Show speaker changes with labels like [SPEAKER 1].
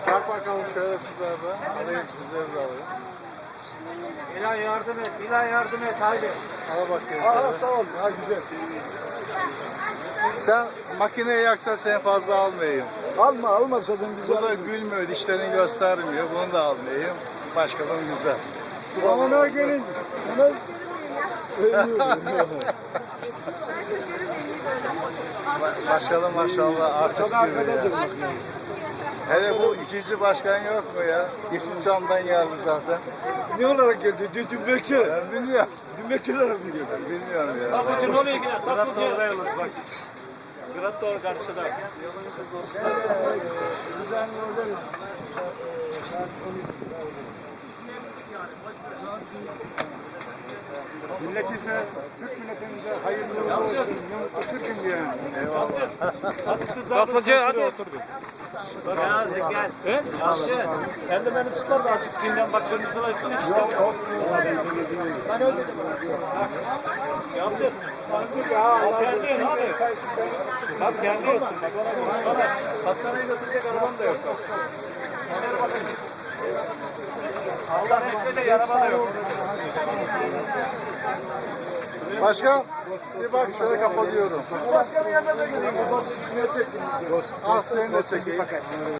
[SPEAKER 1] Bak bakalım şöyle sizler de. Alayım sizleri de alayım.
[SPEAKER 2] İlahi yardım et, ilahi yardım et, haydi.
[SPEAKER 1] Al bakayım.
[SPEAKER 2] Tamam, ha güzel.
[SPEAKER 1] Sen makineyi yaksa seni fazla almayayım.
[SPEAKER 2] Alma zaten
[SPEAKER 1] Bu da gülmüyor, dişlerini göstermiyor. Bunu da almayayım. Başkadan güzel.
[SPEAKER 2] Ona gelin.
[SPEAKER 1] Başkanım maşallah artist gibi ya. Hele bu ikinci başkan yok mu ya? Yeşilçam'dan geldi zaten.
[SPEAKER 2] Ne olarak geldi? Dümbekçi.
[SPEAKER 1] Ben bilmiyorum.
[SPEAKER 2] Dümbekçi olarak mı geldi?
[SPEAKER 1] Bilmiyorum ya.
[SPEAKER 3] Tatlıcı ne oluyor yine? Tatlıcı. Bak. Kırat doğru karşıda.
[SPEAKER 2] Milletimize, Türk milletimize hayırlı olsun. Türk'üm diye.
[SPEAKER 1] Eyvallah.
[SPEAKER 3] Tatlıcı hadi oturduk.
[SPEAKER 2] Gazi gel.
[SPEAKER 3] He? Sen de beni çıkar da açık dinlen bak kırmızı ışık çıkar. Yalçın. Kendi hadi. Bak kendi olsun. Bak ona hastaneye götürecek arabam da yok. Allah hepsine araba da yok.
[SPEAKER 1] Başkan bir bak şöyle kapatıyorum.
[SPEAKER 2] Başkanın yanına da gideyim.
[SPEAKER 1] Al seni de çekeyim.